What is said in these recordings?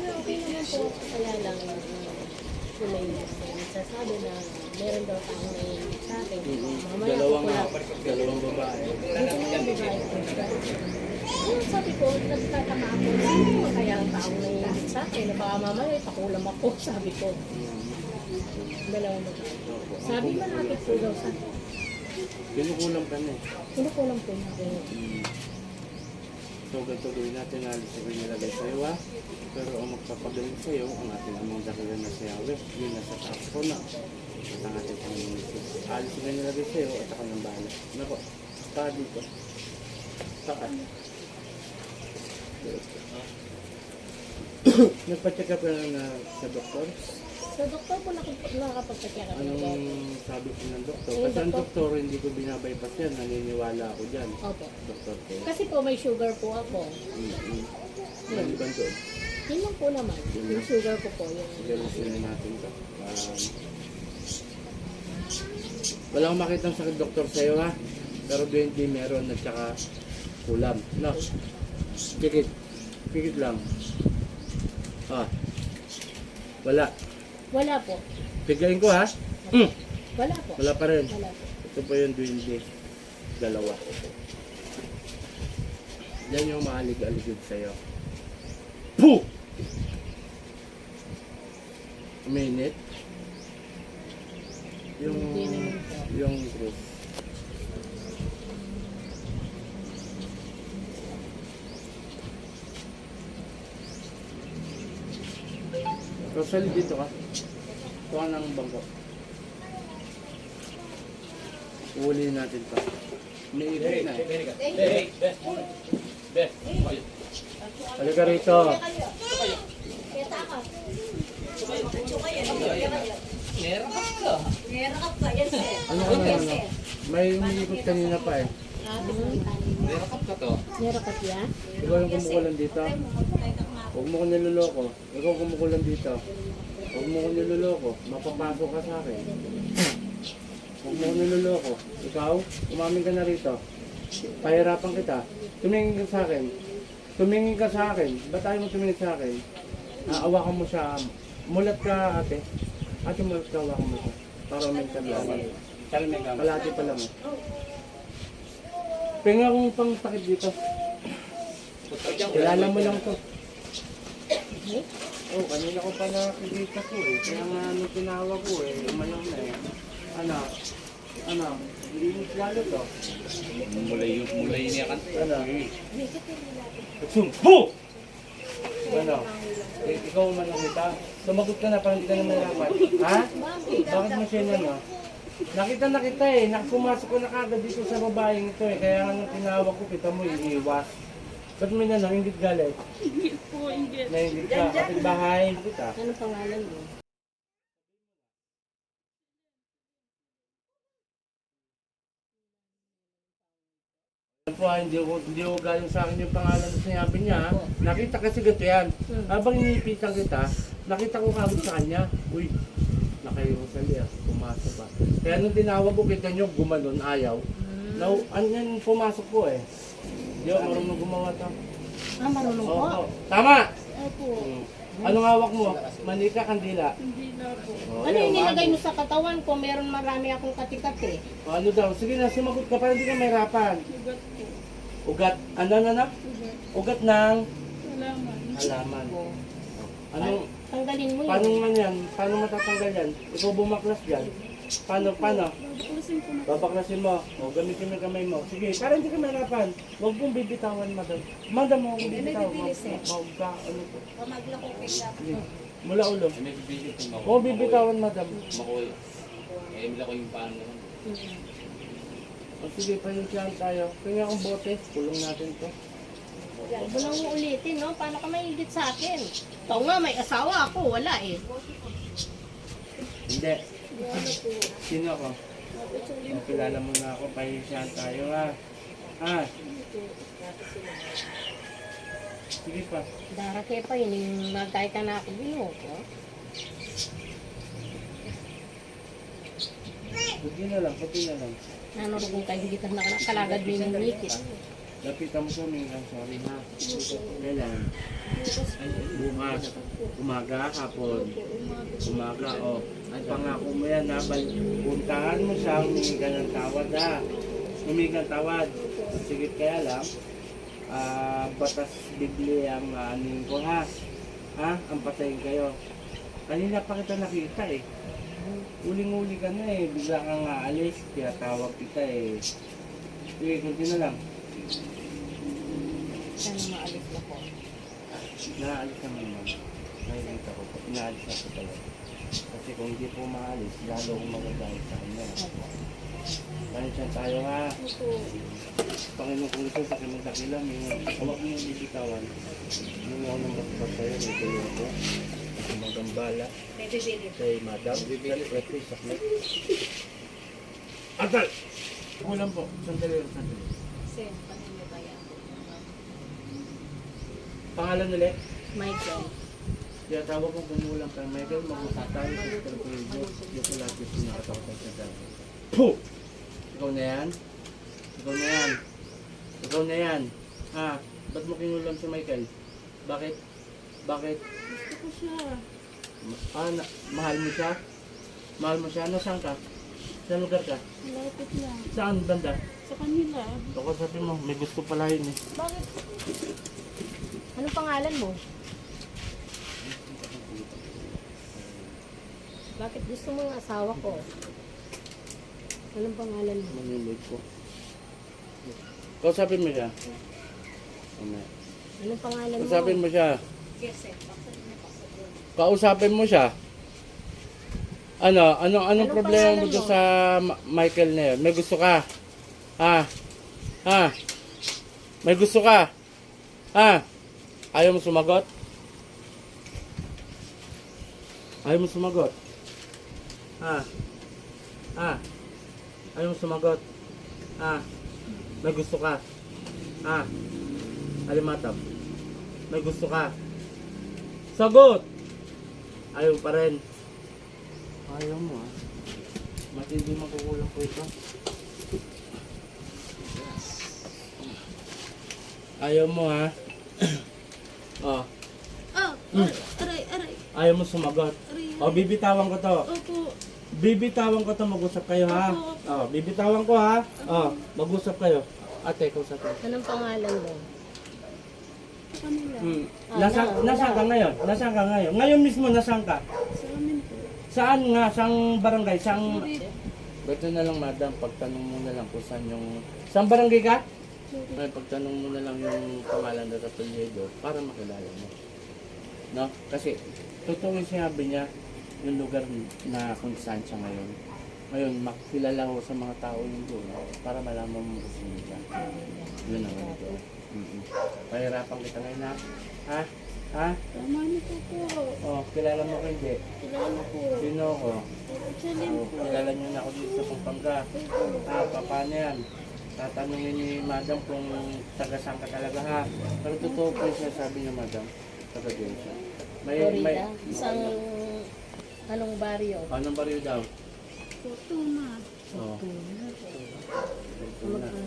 okay naman po. Kaya lang, kulay nagsasabi na meron daw taong naiinit sa akin. Mamaya Dalawang babae. Dito na yung babae ko. Ayun, sabi ko, nagtataka ako. Sino kaya ang taong naiinit sa akin? Na baka mamaya ipakulam ako, sabi ko. Dalawang babae. Sabi malapit po daw sa akin. Kinukulam ka na eh. Kinukulam po na. So, ganito gawin natin, alis na nilagay sa'yo ha. Pero ang magpapagaling sa'yo, ang ating amang dakilan na sa Yahweh, yun nasa taas ko na. At ang ating Panginoon Jesus. Alis na nilagay sa'yo at ako ng bahala. Nako, saka dito. Saka. Nagpa-check up ka na sa doktor? Sa doktor po nakakapagpatya kami. Anong sabi ko ng doktor? Kasi ang doktor, hindi ko binabypass yan. Naniniwala ako dyan. Opo. Doktor ko. Kasi po may sugar po ako. Maliban doon. Yun lang po naman. Yung sugar ko po. Yung... Galusin natin ito. Wala akong makita ng sakit doktor sa'yo ha. Pero 20 meron at saka kulam. No? Pikit. Pikit lang. Wala. Wala po. Pigain ko ha. Wala po. Wala pa rin. Wala po. Ito po yung 20. Dalawa. Yan yung maalig-aligid sa'yo. Puh! Minute. Yung group. Rosalie, dito ka. Kuha ng bangko. Uulin natin pa. May ikot na eh. Halika rito. Ano ka na ano? May umiikot kanina pa eh. Meron ya? Ikaw yung kumukulan dito. Huwag mo ko niloloko. Ikaw kumukulan dito. Huwag mo ko niloloko. Mapapasok ka sa akin. Huwag mo ko niloloko. Ikaw, umamin ka na rito. Pahirapan kita. Tumingin ka sa akin. Tumingin ka sa akin. Ba't tayo mo tumingin sa akin? Awakan mo siya. Mulat ka ate. Ate mulat ka, awakan mo siya. Para may tablawan. Kalati pa lang. Pinga kong pang takip dito. Kilala mo lang to. Oh, kanina ko pa nakikita ko eh. Kaya nga nung tinawag ko eh, umalang na eh. Ano, linis lalo to. Mulay niya kan. Ano? Sumpo! Ano? Ikaw man lang kita. Sumagot ka na, parang hindi ka na mahirapan. Ha? Bakit mo siya na no? Nakita na kita eh. Pumasok ko na kagad dito sa babaeng ito eh. Kaya nga nung tinawag ko, kita mo iiwas. Ba't mo na nanginggit galit? Ingit po, ingit. Nanginggit ka, kapit bahay. Kita. Ano pangalan mo? Yan po, hindi ko galing sa akin yung pangalan na sinabi niya. Nakita kasi ganito yan. Habang iniipitan kita, nakita ko kagad sa kanya. Uy, nakairosali ah, pumasok pa. Kaya nung tinawag ko, kita nyo, gumanon, ayaw. Now, ano yan, pumasok po eh. Yo, marunong gumawa to. Marunong po. Oo. Tama! Opo. Anong hawak mo? Manika, kandila. Hindi na po. Oh, Ano ayaw, yung nilagay bago. mo sa katawan ko? Meron marami akong kati-kati. O, ano daw? Sige na, sumagot ka para hindi ka mahirapan. Ugat po. Ugat, ano? Ugat. Ugat ng Salamat. halaman. Anong, Tanggalin mo paano yun. man yan? Paano matatanggal yan? Ikaw bumaklas dyan. Paano? Babaklasin ko na. Babaklasin mo. O, gamitin mo yung kamay mo. Sige, para hindi ka mahirapan. Huwag mong bibitawan, madam. Madam mo, huwag mong bibitawan. Huwag ka, ano po. Sige. Mula ulo. May bibigit yung Oo, bibitawan, madam. makoy. Eh, mila ko yung paano naman. O, sige, paninsiyahan tayo. Kanya akong bote. Kulong natin to. Huwag mo nang ulitin, no? Paano ka maingit sa akin? Ikaw nga, may asawa ako. Wala eh. Hindi. Sino ako? O, kilala mo na ako. Paninsiyahan tayo, ha? Ha? Sige pa. Darake pa yun. Yung magkay ka na ako. Binuho ko. Puti na lang, puti na lang. Nanurugong kayo. Hindi ka nakalagad mo yung mikit. Lapitan mo sa amin, sorry ha. Kailan? Ay, bukas. Umaga, hapon. Umaga, o. At pangako mo yan ha. Puntahan mo siya, humingi ka ng tawad ha. Humingi ka ng tawad. Sige kaya lang, batas bigli ang aning ko ha. Ha? Ang patayin kayo. Kanina pa kita nakita eh. Uling-uli ka na eh. Bigla kang aalis. Kaya tawag kita eh. Sige, kunti na lang. Sana maalis na po. Naalis naman naman. Nakikita ko po. Inaalis na po talaga. Kasi kung hindi po maalis, lalo akong magagalit sa kanya. Pansyan tayo ha. Panginoon kong ito sa kinagdakila, huwag mo yung bibitawan. Yung ako nang basbas sa'yo, may tuloy ako. Kasi magambala. Kay Madam. Request saklit. Atal! Kulang po. Sandali lang, sandali. Pangalan ulit? Michael. Kaya tawag kong kumulang kay Michael, mag-usap tayo sa Sister Pedro. Yung pala ko sinakatawagan sa dami. Puh! Ikaw na yan? Ikaw na yan? Ikaw na yan? Ha? Ba't mo kinulam si Michael? Bakit? Bakit? Gusto ko siya. Mahal mo siya? Mahal mo siya? Nasaan ka? Saan lugar ka? Malapit lang. Saan banda? Sa kanila. Ako sabi mo, may gusto pala yun eh. Bakit? Anong pangalan mo? Bakit gusto mo ng asawa ko? Anong pangalan mo? Manimig ko. Kausapin mo siya. Mamaya. Anong pangalan mo? Kausapin mo siya. Kausapin mo siya. Anong problema mo pangalan doon mo? sa Michael na yun? May gusto ka? Ha? Ha? May gusto ka? Ha? Ayaw mo sumagot? Ayaw mo sumagot? Ha? Ha? Ayaw mo sumagot? Ha? May gusto ka? Ha? Alimatap? May gusto ka? Sagot! Ayaw pa rin. Ayaw mo ha. Matindi makukulang ko ito. Ayaw mo ha. Oh. Aray. Ayaw mo sumagot. Oh, bibitawan ko to. Opo. Bibitawan ko to, mag-usap kayo ha. Oh, bibitawan ko ha. Oh, mag-usap kayo. Ate, kausap ko. Anong pangalan mo? Sa kanila. Nasaan ka ngayon? Nasaan ka ngayon? Ngayon mismo, nasaan ka? Sa amin po. Saan nga? Saang barangay? Saang... Sorry. Beto na lang madam, pagtanong mo na lang kung saan yung... Saan barangay ka? Ay, pagtanong mo na lang yung pangalan na Apelyido para makilala mo. No? Kasi, totoo yung sinabi niya, yung lugar na kung saan siya ngayon. Ngayon, makilala ko sa mga tao yung doon para malaman mo kung sino siya. Yun ang ito. Pahirapan kita ngayon ha? Ha? Ha? Tama niyo po. Oh, kilala mo ko hindi? Kilala po. Sino ko? Chalin Oh, po. kilala niyo na ako dito sa Pampanga. Paano yan? Tatanungin ni madam kung taga saan ka talaga ha. Pero totoo po siya sabi niya madam. Taga diyan siya. Florida? Isang... Anong baryo? Anong baryo daw? Fortuna. Oh. Fortuna.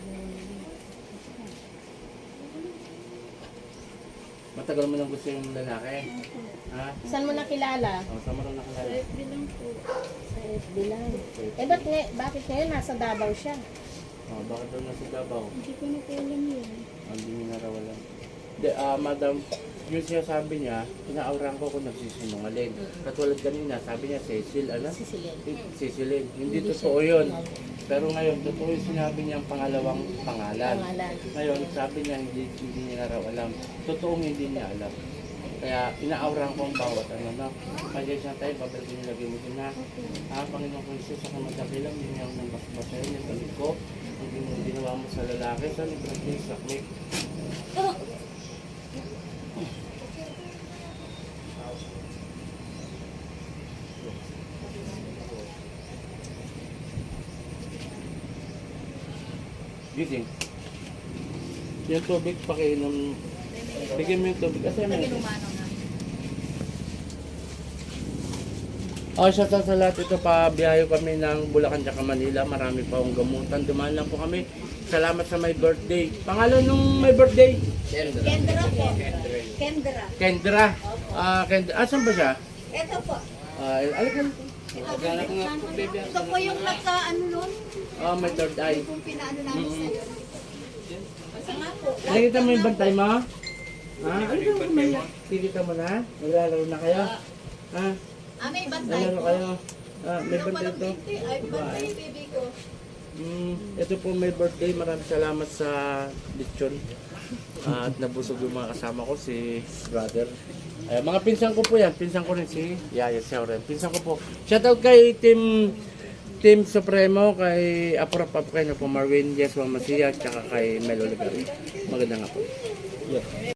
Matagal mo nang gusto yung lalaki? Ha? Saan mo nakilala? Oh, saan mo nang Sa nakilala? FB lang po. Sa FB lang. Bakit ngayon nasa Davao siya? Oh, bakit daw nasa Davao? Hindi ko na po alam yun. Hindi niya narawalan. Madam, yung sinasabi niya, inaauran ko kung nagsisinungaling. Katulad kanina, sabi niya, Cecil, ano? Cecilin. Hindi totoo yun. Pero ngayon, totoo yung sinabi niya ang pangalawang pangalan. Ngayon, sabi niya, hindi niya raw alam. Totoong hindi niya alam. Kaya inaauran ko ang bawat ano na. Kaya siya tayo, babalikin niyo lagi mo din na. Panginoon ko Jesus, sa kamadakilang, hindi niya ako nang basbasayan, yung balik ko. Ang ginawa mo sa lalaki, sa librang saklik. Gising. Yung tubig, pakiinom. Bigyan mo yung tubig. Kasi may... Shout out sa lahat ito, pabiyayo kami ng Bulacan tsaka Manila. Marami pa akong gamutan. Dumaan lang po kami Salamat sa my birthday. Pangalan nung my birthday? Kendra po. Kendra. Kendra. Kendra. Asan ba siya? Ito po. Alikan. Ito po yung nagka-ano nun. My third eye. Kung pinaano namin sa'yo. Basta nga po. Nakikita mo yung bantay mo? Alikan mo kumaya. Kikita mo na? Naglalaro na kayo? May bantay Naglalaro po. kayo? May Ito birthday palang to? binti. Ay, bantay yung baby ko. Ito po may birthday. Maraming salamat sa lechon. At nabusog yung mga kasama ko, si brother. Mga pinsan ko po yan. Pinsan ko rin si Yaya Seuren. Pinsan ko po. Shoutout kay Team Supremo, kay Aprop kay po Marvin, Jeswa Masia, tsaka kay Mel Oliveira. Maganda nga po. Yeah.